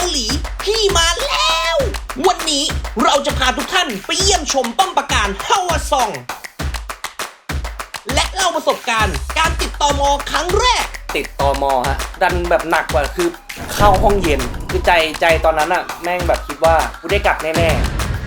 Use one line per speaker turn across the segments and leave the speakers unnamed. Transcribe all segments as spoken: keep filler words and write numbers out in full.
หลีพี่มาแล้ว วันนี้เราจะพาทุกท่านไปเยี่ยมชมป้อมปราการฮาวาซองและเล่าประสบการณ์การติดตม.ครั้งแรก
ติดตม.ฮะดันแบบหนักกว่าคือเข้าห้องเย็นคือใจใจตอนนั้นอะแม่งแบบคิดว่ากูได้กลับแน่ๆ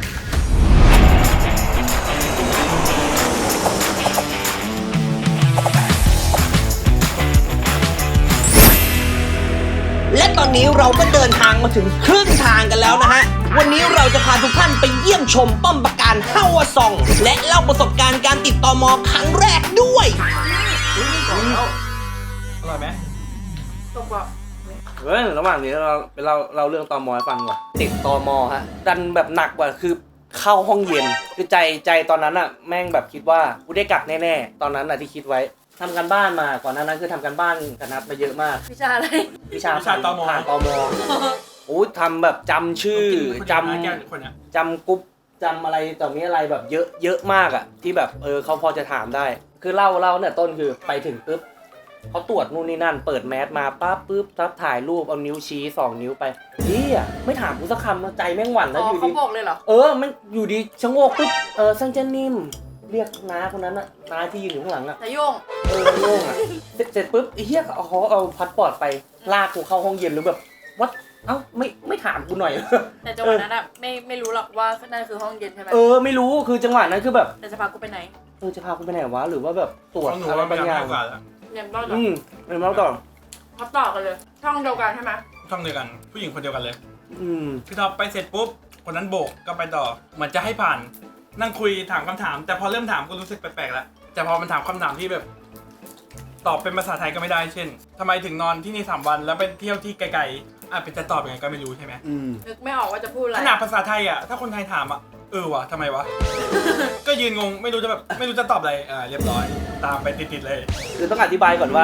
และตอนนี้เราก็เดินทางมาถึงครึ่งทางกันแล้วนะฮะวันนี้เราจะพาทุกท่านไปเยี่ยมชมป้อมปราการฮาวาซองและเล่าประสบการณ์การติดตม.ครั้งแรกด้วย
อร่อยไหมตกว่า
เฮ้ยระหว่างนี้เราเราเราเรื่องตม.ให้ฟังก่อนติดตม.ฮะดันแบบหนักกว่าคือเข้าห้องเย็นคือใจใจตอนนั้นอะแม่งแบบคิดว่ากูได้กลับแน่ๆตอนนั้นอะที่คิดไว้ทำกันบ้านมาก่อนหน้านั้นคือทำกันบ้านกับนัดมาเยอะมาก
วิชาอะไร
วิชาผ่านตม.ผ่านตม.โอ้ทำแบบจำชื่อจำจำกรุ๊ปจำอะไรต่อมีอะไรแบบเยอะเยอะมากอะที่แบบเออเขาพอจะถามได้คือเล่าเล่าเนี่ยต้นคือไปถึงปุ๊บเขาตรวจนู่นนี่นั่นเปิดแมสมาปั๊บปุ๊บทับถ่ายรูปเอานิ้วชี้สองนิ้วไปเฮียไม่ถามกูสักคำใจแม่งหวั่นแล้วอยู่ดี
เขาบอกเลยเหรอ
เออมันอยู่ดีชะโงกปุ๊บเออซังเจนนิ่มเรียกน้าคนนั้นอะน้าที่ยืนอยู่ข้างหลังอะ
นายโยง
เออโยงอะเสร็จปุ๊บไอ้เฮียเขาเอาพาสปอร์ตไปลากกูเข้าห้องเย็นหรือแบบวัดเอ้าไม่ไม่ถามกูหน่อย
แต่จังหวะนั้นอะไม่ไม่รู้หรอกว่านั่นคือห้องเย็นใช่ไหม
เออไม่รู้คือจังหวะนั้นคือแบบ
แต่จะพากูไปไหน
เออจะพากูไปไหนวะหรือว่าแบบตรวจอะไรบางอย่าง
เนี่ยเล่าต่อ
อืมเนี่ยเล่าต่อ
เขาต่อกันเลยช่องเดียวกันใช่ไหม
ช่องเดียวกันผู้หญิงคนเดียวกันเลย
อืม
พี่ท็อปไปเสร็จปุ๊บคนนั้นโบกก็ไปต่อเหมือนจะให้ผ่านนั่งคุยถามคำถามแต่พอเริ่มถามก็รู้สึกแปลกๆแล้วแต่พอมันถามคำถามที่แบบตอบเป็นภาษาไทยก็ไม่ได้เช่นทำไมถึงนอนที่นี่สามวันแล้วไปเที่ยวที่ไกลๆอ่ะเป็นจะตอบยังไงก็ไม่รู้ใช่ไหม
นึกไม่ออกว่าจะพูดอะไร
ขนาดภาษาไทยอ่ะถ้าคนไทยถามอ่ะเออวะทำไมวะ ก็ยืนงงไม่รู้จะแบบไม่รู้จะตอบอะไรอ่าเรียบร้อยตามไปติดๆเลย
คือต้องอธิบายก่อนว่า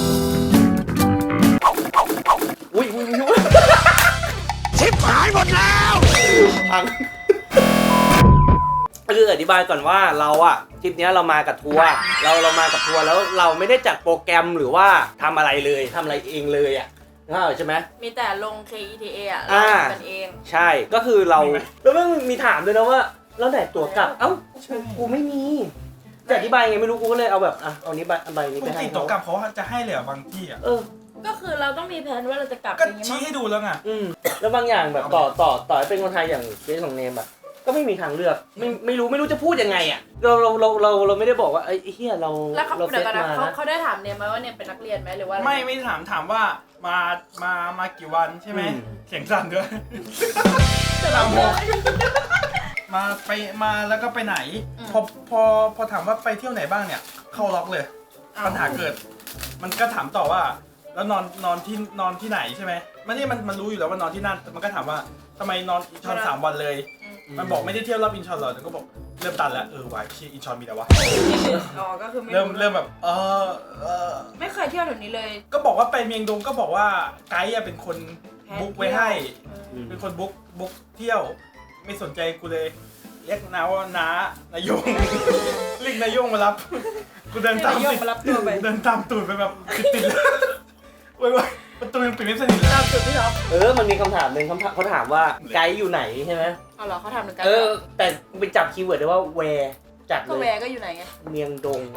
อุ้ยอุ้ยอุ้ย
ชิบหายหมดแล้ว
พังคืออธิบายก่อนว่าเราอะทริปนี้เรามากับทัวร์เราเรามากับทัวร์แล้วเราไม่ได้จัดโปรแกรมหรือว่าทำอะไรเลยทำอะไรเองเลยอะน่าใช่ไหม
มีแต่ลง เค อี ที เอ อะเราทำกันเอง
ใช่ก็คือเราแล้วมันมีถามด้วยนะว่าแล้วไหนตั๋วกลับเอ้ากูไม่มีจะอธิบายไงไม่รู้กูก็เลยเอาแบบอ่ะเอานี้ใบใบนี้ไปให้
เขาตั๋วกลับเขาจะให้เลยบางที่อ่ะ
เออ
ก็คือเราต้องมีแผนว่าเราจะกลับ
ก็ชี้ให้ดูแล้วไง
อืมแล้วบางอย่างแบบต่อต่อต่อเป็นคนไทยอย่างเคสของเนมอะก็ไม่มีทางเลือกไม่ไม่รู้ไม่รู้จะพูดยังไงอ่ะเราเราเราเราเราไม่ได้บอกว่าไอ้เฮียเรา
แล้วเขาเดี๋ยวกันนะเขาเขาได้ถามเนมไหมว่าเนมเป็นนักเรียนไหมหรือว่า
ไม่ไม่ถามถามว่ามามามากี่วันใช่ไหมเสียงสั่นด้วยถามผมมาไปมาแล้วก็ไปไหนพอพอพอถามว่าไปเที่ยวไหนบ้างเนี่ยเข้าล็อกเลยปัญหาเกิดมันก็ถามต่อว่าแล้วนอนนอนที่นอนที่ไหนใช่ไหมมันนี่มันมันรู้อยู่แล้วว่านอนที่นั่นมันก็ถามว่าทำไมนอนอินชอนสามวันเลยมันบอกไม่ได้เที่ยวรอบอินชอนหรอกแต่ก็บอกเริ่มตันแล้วเออวายที่อินชอนมีแต่วะ
อ๋อก็คือ
เริ่มเริ่มแบบเออเออ
ไม่เคยเที่ยวแบบนี้เลย
ก็บอกว่าไปเมียงดงก็บอกว่าไกด์เป็นคนบุ๊กไว้ให้เป็นคนบุ๊กบุ๊กเที่ยวไม่สนใจกูเลยเรียกน้าว่าน้านายงเรียกนายงมารับกูเดินตามติดเดินตามตูดไปแบบติดๆเลยเว้ยประตูยังปิดไม่สนิทเลย
ตามจุดที่เรา
เออมันมีคำถามหนึ่งเขาถามว่าไกด์อยู่ไหนใช่ไหม
อ๋อเหรอเขาถามเหมือนกัน
เออแต่ไปจับคีย์เวิร์ดได้ว่าแวร์จัดเลย
ก็แวร์ก็อยู่ไหนไง
เมียงดง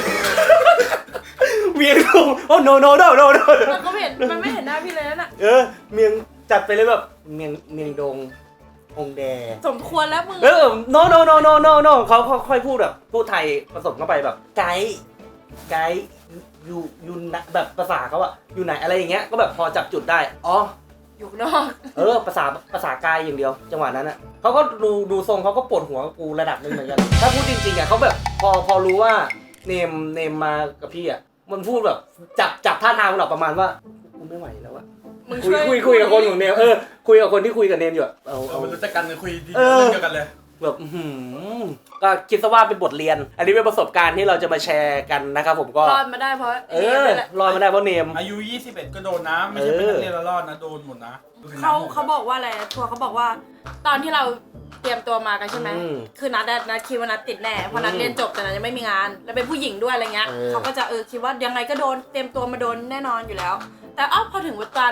เมียงดงโอ้ no no no no no
มันก็เห็นมันไม่เห็นหน้าพี่เลยนั่นน่ะ
เออเมียงจัดไปเลยแบบเมียงเมียงดงองแด
สมควรแล้วมึง
เออ no no no no no no เขาค่อยพูดแบบพูดไทยผสมเข้าไปแบบไกด์ไกด์อยู่อยู่แบบภาษาเขาอะอยู่ไหนอะไรอย่างเงี้ยก็แบบพอจับจุดได้อ๋อ
อยู่นอก
เออภาษาภาษากายอย่างเดียวจังหวะนั้นอะเขาก็ดูดูทรงเขาก็ปวดหัวกูระดับนึงเหมือนกันถ้าพูดจริงๆอะเขาแบบพอพอรู้ว่าเนมเนมมากับพี่อะมันพูดแบบจับจับท่าทางแบบประมาณว่ากูไม่ไหวแล้วอะคุยคุยคุยกับคนของเนมเออคุยกับคนที่คุยกับเนมอยู่เอา
เอารู้จักกันคุยดีเรื่องเดียวกันเลย
แบบก็คิดซะว่าเป็นบทเรียนอันนี้เป็นประสบการณ์ที่เราจะมาแชร์กันนะครับผมก็
รอดมาได้เพราะ
เออรอดมาได้เพราะเนม
อายุยี่สิบเอ็ดก็โดนนะไม่ใช่เป็นนักเรียนละรอดนะโดนหมดนะ
เขาเขาบอกว่าอะไรทัวร์เขาบอกว่าตอนที่เราเตรียมตัวมากันใช่ไหมคือนัดนัดคิดว่านัดติดแน่เพราะนัดเรียนจบแต่นัดยังไม่มีงานแล้วเป็นผู้หญิงด้วยอะไรเงี้ยเขาก็จะเออคิดว่ายังไงก็โดนเตรียมตัวมาโดนแน่นอนอยู่แล้วแต่อ้าวพอถึงวันตานัด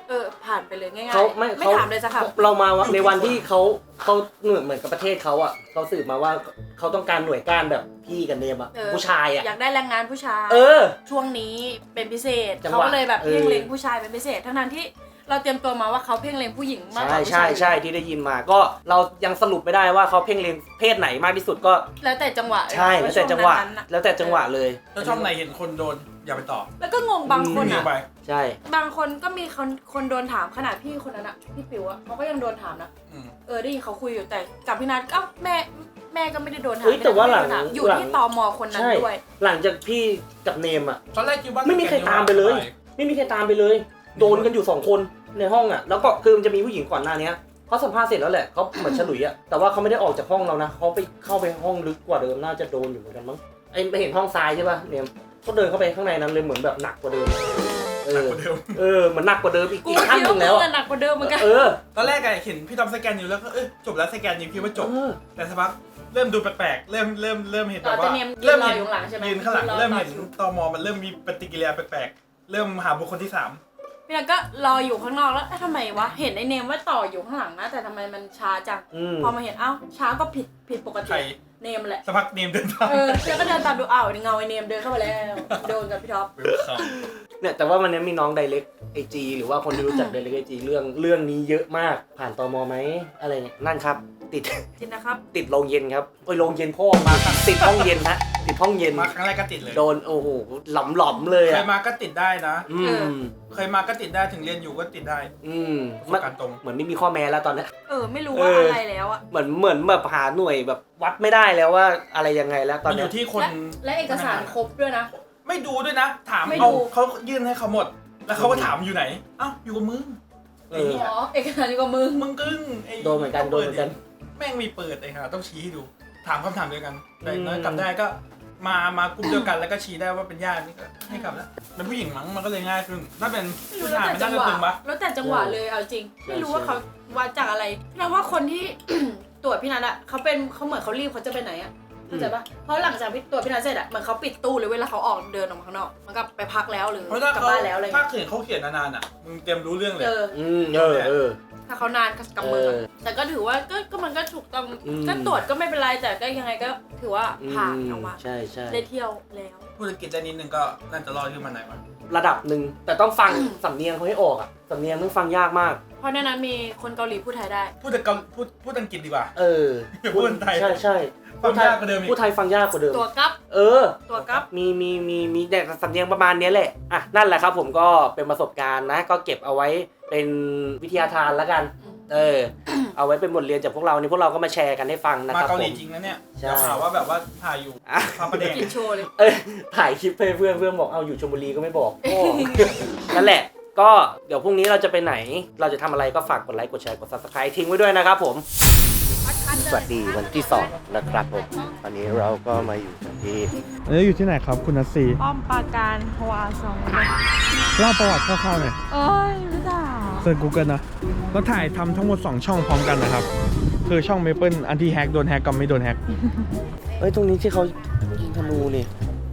เออผ่านไปเลยง่ายๆ
เขาไม่
ไม่
เขา
ถามเลยสักคำ
เรามาในวันที่เขาเขาเหมือนเหมือนกับประเทศเขาอ่ะเขาสืบมาว่าเขาต้องการหน่วยก้านแบบพี่กับเนมอ่ะ
เออ
ผู้ชายอ่ะ
อยากได้แรงงานผู้ชาย
เออ
ช่วงนี้เป็นพิเศษ
จังหวะ
เขาก็เลยแบบ
เออ
เพ่งเล็งผู้ชายเป็นพิเศษทั้งนั้นที่เราเตรียมตัวมาว่าเขาเพ่งเล็งผู้หญิงมากก
ใช่
ว่าผู้
ใช่
ชาย
ใช่ที่ได้ยินมาก็เรายังสรุปไม่ได้ว่าเขาเพ่งเล็งเพศไหนมากที่สุดก็
แล้วแต่จังหวะ
ใช่แล้วแต่จังหวะ
ช่นั้นๆน่
แล้วแต่จังหวะเลย
ถ้าช่องไหนเห็นคนโดนอย่าไปตอบ
แล้วก็งงบางคน
หนี
อ่ะ
ไป
ใช่
บางคนก็มีคนคนโดนถามขนาดพี่คนนั้นอะพี่ปิ๋วอะเขาก็ยังโดนถามนะ
อืม
เออได้ยินเขาคุยอยู่แต่กับพี่นัทก็แม่แม่ก็ไม่ได้โดนถาม
เฮ้ยแต่ว่าหลัง
ไม่ได้โดนถามอยู่
หลัง
ที่ตมคนนั้น
ใช่
ด้วย
หลังจากพี่กับเนมอ่ะ
ตอนแรกคิดว่า
ไม่มีใครตามไปเลย ไม่มีใครตามไปเลย โดนกันอยู่สองคนในห้องอ่ะแล้วก็คือมันจะมีผู้หญิงก่อนหน้านี้เขาสัมภาษณ์เสร็จแล้วแหละเขาเหมือนฉลุยอ่ะแต่ว่าเขาไม่ได้ออกจากห้องเรานะเขาไปเข้าไปห้องลึกกว่าเดิมน่าจะโดนอยู่เหมือนกันมั้งไอ้ไปเห็นห้องทรายใช่ป่ะเนมเขาเดินเข้าไปข้างในนั้นเลยเหมือนแบบหนักกว่าเดิมเออ
หนักกว่าเดิม
เออเหมือนหนักกว่าเดิมอีก
กู
อีกขั้น
คิด
หนึ่
ว่าง
แล้ว
มึง
อะ
อะหนักกว่าเดิมเหมือนกัน
เออ
ตอนแรกอะเห็นพี่ทอมสแกนอยู่แล้วก็เอ้ยจบแล้วสแกนอยู่คิดว่าจบ
เออ
แต่สักพักเริ่มดูแปลกๆเริ่มเริ่มเริ่มเห็น
ต่
แบ
อบ จะ
ว่า
เนียมยื
เริ่
น
ม
รอ
เห็น
อยู่ข้างหลังใช่ไหม
ยืนข้างหลัง
รอ
เริ่มเห็น
ต่อคิว
ตมมันเริ่มมีปฏิกิริยาแปลกๆเริ่มหาบุคคลที่สาม
พี่นัทก็รออยู่ข้างนอกแล้วเอ๊ะทำไมวะเห็นไอ้เนมว่าต่ออยู่ข้างหลังนะแต่ทำไมมันช้าจัง
อืม
พอมาเห็นเอ้าช้าก็ผิดผิดปก
ใคร
ติเนมแหละ
สักพักเนมเดินตาม
เออแล้วก็เดินตามดูอ้าวเงาไอ้เนมเดินเข้ามาแล้วโดนกับพี่ท็อป
เวลคัม
เนี่ยแต่ว่าวันนี้มีน้องไดเรกไอจีหรือว่าคนที่รู้จักไดเรกไอจีเรื่องเรื่องนี้เยอะมากผ่านตมไหมอะไรเนี่ยนั่นครับ ติด
จริงนะครับ
ติดโรงเย็นครับโอ้ยโรงเย็นพ่อมาติดห้องเย็นฮะติดห้องเย็น
มาครั้งแรกก็ติดเลย
โดนโอ้โหหลอมหลอมๆเลย
เค
อ่ะ
ยมาก็ติดได้นะ
อื
เออ
ม
เคยมาก็ติดได้ถึงเรียนอยู่ก็ติดได้
อืม
ประส
มัน
บการณ์ตรง
เหมือนไม่มีข้อแม้แล้วตอนเนี้ย
เออไม่รู้ว่า
เอออ
อะไรแล้วอะ
เหมือนเหมือนแบบหาหน่วยแบบวัดไม่ได้แล้วว่าอะไรยังไงแล้วตอ
มัน นอ
เนี้ย
ยู่ที่คน
และและเอกสารครบด้วยนะ
ไม่ดูด้วยนะ ถาม
ไม่
เอา
ดู
เขายื่นให้เขาหมด แล้วเขาก็ถามอยู่ไหนเอ้าอยู่กับมึง
เอ
ไอ้
อ
เหี้ย
อ๋อเอกสารอยู่กับมึง
มึงกึ้งไ
โดนเหมือนกันโดนเหมือนกัน
แม่งมีเปิดไอ้ห่าต้องชี้ให้ดู ถามคำถามเดียวกันแต่
อืม
น้อยกลับได้ก็มามากลุ่มเดียวกันแล้วก็ชี้ได้ว่าเป็นญาตินี่ก็ให้กลับแล้วเป็นผู้หญิงมั้งมันก็เลยง่ายขึ้นถ้าเป็น
ไม่รู้
ผู้
แล้ว
ชาย
แต่
มัน
จั
น่าง จะ
หวะ
ตึงปะ
แล้วแต่จังหวะเลยเอาจริง ไม่รู้ว่าเขาวัดจากอะไรพี่นัทว่าคนที่ ตรวจพี่นัทอะเขาเป็นเขาเหมือนเขารีบเขาจะไปไหนอะเข้าใจปะเพราะหลังจากพี่ตรวจพี่นัทเสร็จอะเหมือนเขาปิดตู้เลยเวลาเขาออกเดินออกมาข้างนอกมันก็ไปพักแล้วหรือ
เพราะถ้าก
ลับ
เขา
บ้านแล้วอะไร
ถ้า
เงี้ย
เขียนเขาเขียนนานๆอ่ะมึงเตรียมรู้เรื่องเลย
เออ
อืมเออเออ
ถ้าเขานานก็กำมือ
เออ
แต่ก็ถือว่าก็ก็มันก็ถูกต้อง
อืม
ก็ตรวจก็ไม่เป็นไรแต่ก็ยังไงก็ถือว่าผ่านออกมา
ใช่ใช่
ได้เที่ยวแล้ว
พูดอังกฤษได้นิดนึงก็น่าจะรอดขึ้นมาไหนวะ
ระดับหนึ่งแต่ต้องฟังสำเนียงเขาให้ออกอ่ะสำเนียงต้องฟังยากมาก
เพราะในนั้นมีคนเกาหลีพูดไทยได้
พูดแต่เกาพูดพูดอังกฤษดีกว่า
เออ
พูดไทย
ใช่ใช่
ฟังยากกว่าเดิมอีก
พูดไทยฟังยากกว่าเดิม
ตัวกับ
เออ
ตัวกับ
มีมีมีมีแต่สำเนียงประมาณเนี้ยแหละ อ่ะ นั่นแหละครับผมก็เป็นประสบการณ์นะ ก็เก็บเอาไว้เป็นวิทยาทานแล้วกัน เออ เอาไว้เป็นบทเรียนจากพวกเรานี่พวกเราก็มาแชร์กันให้ฟังนะ
มา
ครับ
เกาห
ผ
ลี
ม
จริงนะเนี่ย
ใช่
อย่าหาว่าแบบว่าถ่ายอยู่
อ่ะ
พาประเด็น
กินโชว์เลย
เอ้ยถ่ายคลิปให้เพื่อนเพื่อนบอกเอาอยู่ชลบุรีก็ไม่บอกโอ้ นั่นแหละ ก็เดี๋ยวพรุ่งนี้เราจะไปไหน เราจะทำอะไรก็ฝากกดไลค์กดแชร์กด ซับสไครบ์ ทิ้งไว้ด้วยนะครับผม สวัสดีวันที่สองนะครับผมตอนนี้เราก็มาอยู่กันที่
อันนี้อยู่ที่ไหนครับคุณนัสซี
ป้อมปราการฮวาซอง
เล่าประวัติคร่าวๆหน่อย
เอ้ยรู้จัก
เซิร์ช Google นะก็ถ่ายทำทั้งหมดสองช่องพร้อมกันนะครับ คือช่อง Maple อันที่แฮกโดนแฮกกับไม่โดนแฮก
เอ้ยตรงนี้ที่เขายิงธนูนี่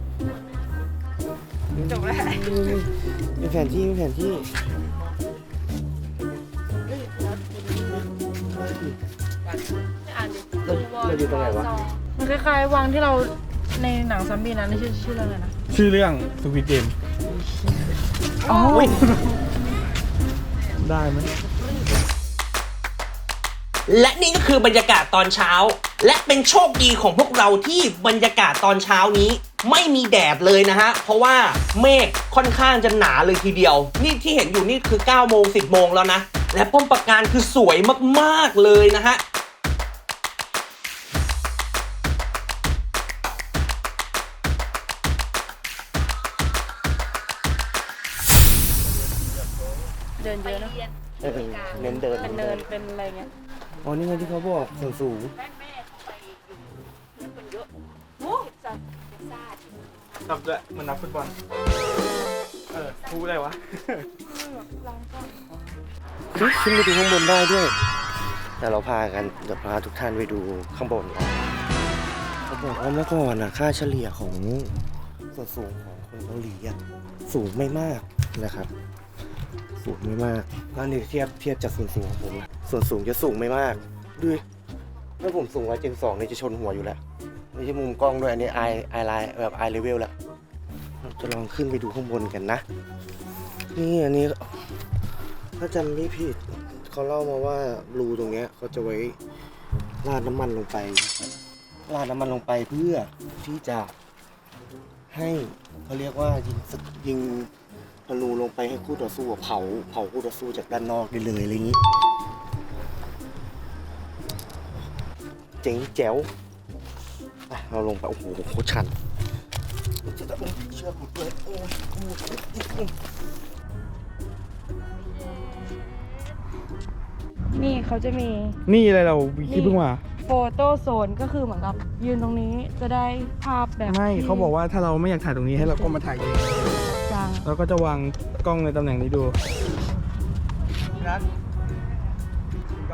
จบแล้ว
มีแผนที่มีแผนที่
อ่านดิ
เราเราอยู่ตรงไหนวะ
มันคล้ายๆวังที่เราในหนังซอมบี้นั้นชื่อชื่อเรื่องอะไรนะ
ชื่อเรื่องสวิตเกม
อ๋อ
ได้ไหม
และนี่ก็คือบรรยากาศตอนเช้า และเป็นโชคดีของพวกเราที่บรรยากาศตอนเช้านี้ ไม่มีแดดเลยนะฮะ เพราะว่าเมฆค่อนข้างจะหนาเลยทีเดียว นี่ที่เห็นอยู่นี่คือเก้าโมงสิบโมงแล้วนะ และป้อมปราการคือสวยมากๆเลยนะฮะ
เดินเยอะนะ
เออเน้นเดิน
เป็นเนินเป็นอะไรเงี้ย
อ๋อนี่ไงที่เขาบอกส่วนสูง
นับด้วยเหมันนับฟุตบอล เออพูดอะไรวะ
เฮ้ยขึ้นไปดูข้างบนได้ด้วย แต่เราพากันเดี๋ยวพาทุกท่านไปดูข้างบนก่อนเขาบอกว่าเมื่อก่อนนะค่าเฉลี่ยของส่วนสูงของคนเกาหลีอะสูงไม่มากนะครับสูงไม่มากแล้วนี่เทียบเทียบจากส่วนสูงของผมนะส่วนสูงจะสูงไม่มากดูดิถ้าผมสูงร้อยเจ็ดสิบสองนี่จะชนหัวอยู่แล้วไม่ใช่มุมกล้องด้วยอันนี้ไอไอไลน์แบบไอเลเวลแล้วเราจะลองขึ้นไปดูข้างบนกันนะนี่อันนี้ถ้าจำไม่ผิดเขาเล่ามาว่ารูตรงเนี้ยเขาจะไว้ราดน้ำมันลงไปราดน้ำมันลงไปเพื่อที่จะให้เขาเรียกว่ายิงสกยิงธนูลงไปให้คู่ต่อสู้เผาเผาคู่ต่อสู้จากด้านนอกได้เลยอะไรอย่างนี้เจ๋งแจ๋วไปเราลงไปโอ้โหโคตรชันจะต้องเชือกหมดเลยโอ้ยโอ้ย
นี่เขาจะมี
นี่อะไรเราคิดเพิ่งมา
โฟโต้โซนก็คือเหมือนกับยืนตรงนี้จะได้ภาพแบบ
ไม่
ที่
เขาบอกว่าถ้าเราไม่อยากถ่ายตรงนี้ให้เราก็มาถ่ายเอง
จัง
เราก็จะวางกล้องในตำแหน่งนี้ดูนัดกล้อง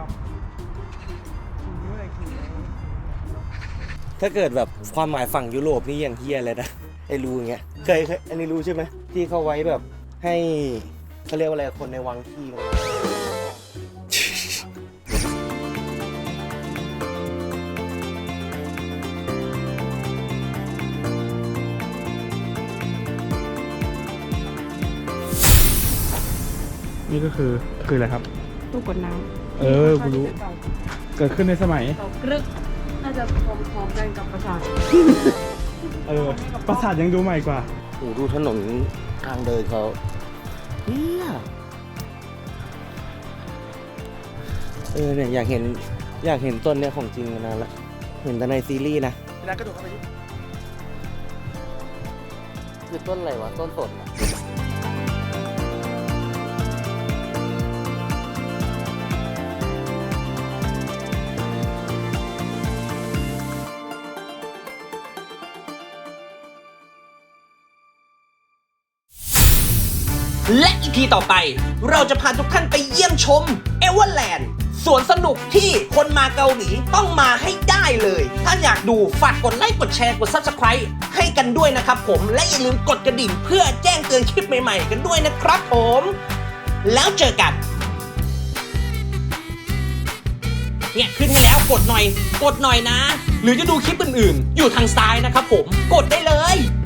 ถ้าเกิดแบบความหมายฝั่งยุโรปนี่อย่างเฮียเลยนะไอ้รูอย่างเงี้ยเคยเคยอันนี้รู้ใช่ไหมที่เขาไว้แบบให้เขาเรียกว่าอะไรคนในวังที่มัน
นี่ก็คือคืออะไรครับ
ตู้กดน้ำ
เออกูรู้ เกิดขึ้นในสมัย
เรากรึกน่าจะพร้อมๆกันกับประสาท
เออปราสาทยังดูใหม่กว่า
โอ้ดูถนนทางเดินเขาเฮียเออเนี่ยอยากเห็นอยากเห็นต้นเนี่ยของจริงมานานละเห็นแต่ในซีรีส์นะ
นัดกระโดดเข้าไปดิ
คือต้นอะไรวะต้นสนอะ
และอีพีต่อไปเราจะพาทุกท่านไปเยี่ยมชมเอเวอร์แลนด์สวนสนุกที่คนมาเกาหลีต้องมาให้ได้เลย ถ้าอยากดูฝากกดไลค์กดแชร์กด ซับสไครบ์ ให้กันด้วยนะครับผมและอย่าลืมกดกระดิ่งเพื่อแจ้งเตือนคลิปใหม่ๆกันด้วยนะครับผมแล้วเจอกันเนี่ยขึ้นให้แล้วกดหน่อยกดหน่อยนะ หรือจะดูคลิปอื่นๆอยู่ทางซ้ายนะครับผมกดได้เลย